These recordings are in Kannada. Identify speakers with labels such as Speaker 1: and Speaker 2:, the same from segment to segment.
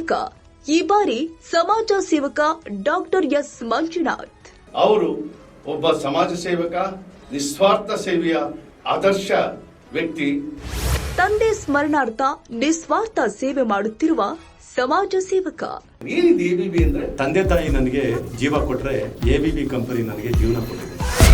Speaker 1: ಸೇವಕ. ಈ ಬಾರಿ ಸಮಾಜ ಸೇವಕ ಡಾಕ್ಟರ್ ಎಸ್ ಮಂಜುನಾಥ್
Speaker 2: ಅವರು ಒಬ್ಬ ಸಮಾಜ ಸೇವಕ, ನಿಸ್ವಾರ್ಥ ಸೇವೆಯ ಆದರ್ಶ ವ್ಯಕ್ತಿ.
Speaker 1: ತಂದೆ ಸ್ಮರಣಾರ್ಥ ನಿಸ್ವಾರ್ಥ ಸೇವೆ ಮಾಡುತ್ತಿರುವ ಸಮಾಜ ಸೇವಕ.
Speaker 2: ಏನಿದೆ ಎಬಿಬಿ ಅಂದ್ರೆ?
Speaker 3: ತಂದೆ ತಾಯಿ ನನಗೆ ಜೀವ ಕೊಟ್ರೆ ಎಬಿಬಿ ಕಂಪನಿ ನನಗೆ ಜೀವನ ಕೊಟ್ಟಿದೆ.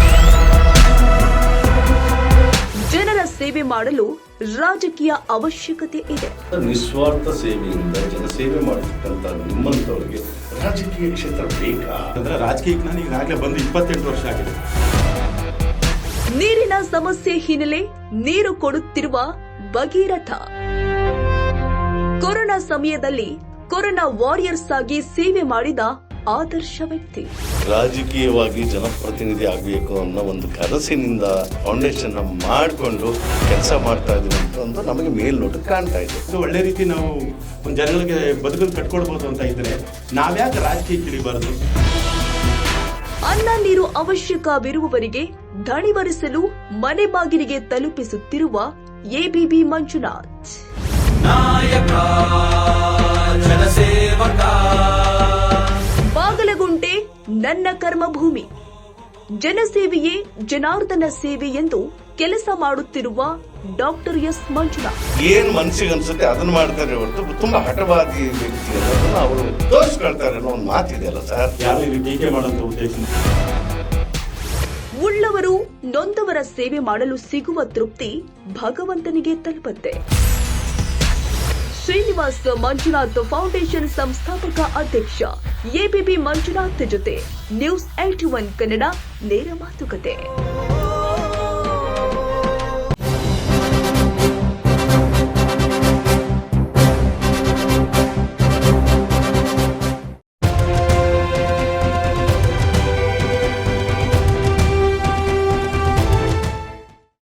Speaker 1: ಜನರ ಸೇವೆ ಮಾಡಲು ರಾಜಕೀಯ ಅವಶ್ಯಕತೆ ಇದೆ.
Speaker 2: ನಿಸ್ವಾರ್ಥ ಸೇವೆಯಿಂದ ಜನಸೇವೆ ಮಾಡತಕ್ಕಂತ ನಿಮ್ಮಂತವರಿಗೆ ರಾಜಕೀಯ ಕ್ಷೇತ್ರ ಬೇಕಾ?
Speaker 3: ಅಂದ್ರೆ ರಾಜಕೀಯಕ್ಕೆ ನಾನು ಈಗಾಗಲೇ ಬಂದು 28 ವರ್ಷ ಆಗಿದೆ.
Speaker 1: ನೀರಿನ ಸಮಸ್ಯೆ ಹಿನ್ನೆಲೆ ನೀರು ಕೊಡುತ್ತಿರುವ ಭಗೀರಥ. ಕೊರೋನಾ ಸಮಯದಲ್ಲಿ ಕೊರೋನಾ ವಾರಿಯರ್ಸ್ ಆಗಿ ಸೇವೆ ಮಾಡಿದ ಆದರ್ಶ ವ್ಯಕ್ತಿ.
Speaker 2: ರಾಜಕೀಯವಾಗಿ ಜನಪ್ರತಿನಿಧಿ ಆಗಬೇಕು ಅನ್ನೋ ಒಂದು ಕನಸಿನಿಂದ ಫೌಂಡೇಶನ್ ಮಾಡಿಕೊಂಡು ಕೆಲಸ ಮಾಡ್ತಾ ಇದೀವಿ ಅಂತ ನಮಗೆ ಮೇಲ್ನೋಟಕ್ಕೆ ಕಾಣ್ತಾ ಇದೆ.
Speaker 3: ಒಳ್ಳೆ ರೀತಿ ನಾವು ಒಂದು ಜನಗಳಿಗೆ ಬದುಕನ್ನು ಕಟ್ಕೊಡ್ಬೋದು ಅಂತ ಇದ್ರೆ ನಾವ್ಯಾಕೆ ರಾಜಕೀಯಕ್ಕೆ ಇಳಿಬಾರದು?
Speaker 1: ಅನ್ನ ನೀರು ಅವಶ್ಯಕವಿರುವವರಿಗೆ ದಣಿವರಿಸಲು ಮನೆ ಬಾಗಿಲಿಗೆ ತಲುಪಿಸುತ್ತಿರುವ ಎಬಿಬಿ ಮಂಜುನಾಥ್.
Speaker 4: ನಾಯಕ ಜನಸೇವಕ.
Speaker 1: ಬಾಗಲಗುಂಟೆ ನನ್ನ ಕರ್ಮಭೂಮಿ. ಜನಸೇವೆಯೇ ಜನಾರ್ದನ ಸೇವೆ ಎಂದು ಕೆಲಸ ಮಾಡುತ್ತಿರುವ ಡಾಕ್ಟರ್ ಎಸ್ ಮಂಜುನಾಥ್.
Speaker 2: ಏನ್ ಮನಸ್ಸಿಗೆ ಅನ್ಸುತ್ತೆ ಅದನ್ನ ಮಾಡ್ತಾರೆ ಹೊರತು ತುಂಬಾ ಹಠವಾದಿ ವ್ಯಕ್ತಿ ಅನ್ನೋದನ್ನ ಅವರು ತೋರಿಸ್ಕೊಳ್ತಾರೆ ಅನ್ನೋ ಒಂದು ಮಾತಿದೆಯಲ್ಲ ಸರ್.
Speaker 3: ಯಾರು ಟೀಕೆ ಮಾಡುವಂತ ಉದ್ದೇಶ?
Speaker 1: ಉಳ್ಳವರು ನೊಂದವರ ಸೇವೆ ಮಾಡಲು ಸಿಗುವ ತೃಪ್ತಿ ಭಗವಂತನಿಗೆ ತಲುಪುತ್ತೆ. ಶ್ರೀನಿವಾಸ್ ಮಂಜುನಾಥ್ ಫೌಂಡೇಶನ್ ಸಂಸ್ಥಾಪಕ ಅಧ್ಯಕ್ಷ ಎಬಿಬಿ ಮಂಜುನಾಥ್ ಜೊತೆ ನ್ಯೂಸ್ 81 ಕನ್ನಡ ನೇರ ಮಾತುಕತೆ.